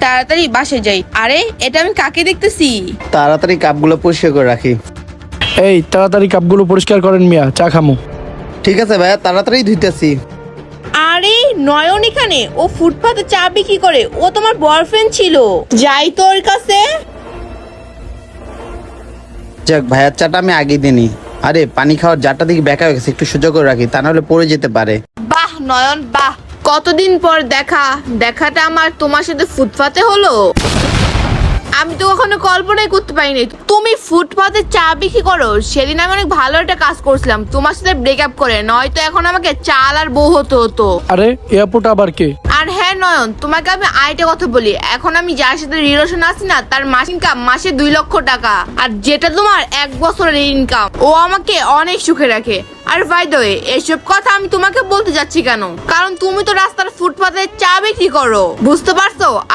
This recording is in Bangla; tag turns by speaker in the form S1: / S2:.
S1: তাড়াতাড়ি বাসে যাই। আরে এটা আমি কাকে দেখতেছি?
S2: তাড়াতাড়ি কাপগুলো পরিষ্কার করে রাখি।
S3: এই তাড়াতাড়ি কাপগুলো পরিষ্কার করেন মিয়া, চা খামু।
S2: ঠিক আছে ভাইয়া, তাড়াতাড়ি ধুইতেছি।
S1: আরে নয়ন এখানে? ও ফুটপাতে চা বিক্রি করে, ও তোমার বয়ফ্রেন্ড ছিল। যাই তো ওর কাছে।
S2: যাক, ভাইয়ার চাটা আমি আগে দিইনি। আরে পানি খাওয়ার জারটা দিকে বেঁকা হয়ে গেছে, একটু সোজা করে রাখি, তা নাহলে পড়ে যেতে পারে।
S1: বাহ নয়ন বাহ, কতদিন পর দেখাটা আমার তোমার সাথে ফুটপাতে হলো। আমি তো কখনো কল্পনাই করতে পারিনি তুমি ফুটপাতে চা বিক্রি করো। সেদিন আমি অনেক ভালো একটা কাজ করছিলাম তোমার সাথে ব্রেকআপ করে, নয়তো এখন আমাকে চাল আর বউ হতো।
S3: আরে এয়ারপোর্ট আবার কে?
S1: আর হ্যাঁ নয়ন, তোমাকে আমি আরেকটা কথা বলি, এখন আমি যার সাথে রিলেশন আছি না, তার মাস ইনকাম মাসে 2 লক্ষ টাকা, আর যেটা তোমার 1 বছরের ইনকাম। ও আমাকে অনেক সুখে রাখে। আর বাই দ্য ওয়ে, এসব কথা আমি তোমাকে বলতে যাচ্ছি কেন, কারণ তুমি তো রাস্তার ফুটপাতে চা বিক্রি করো, বুঝতে পারছো?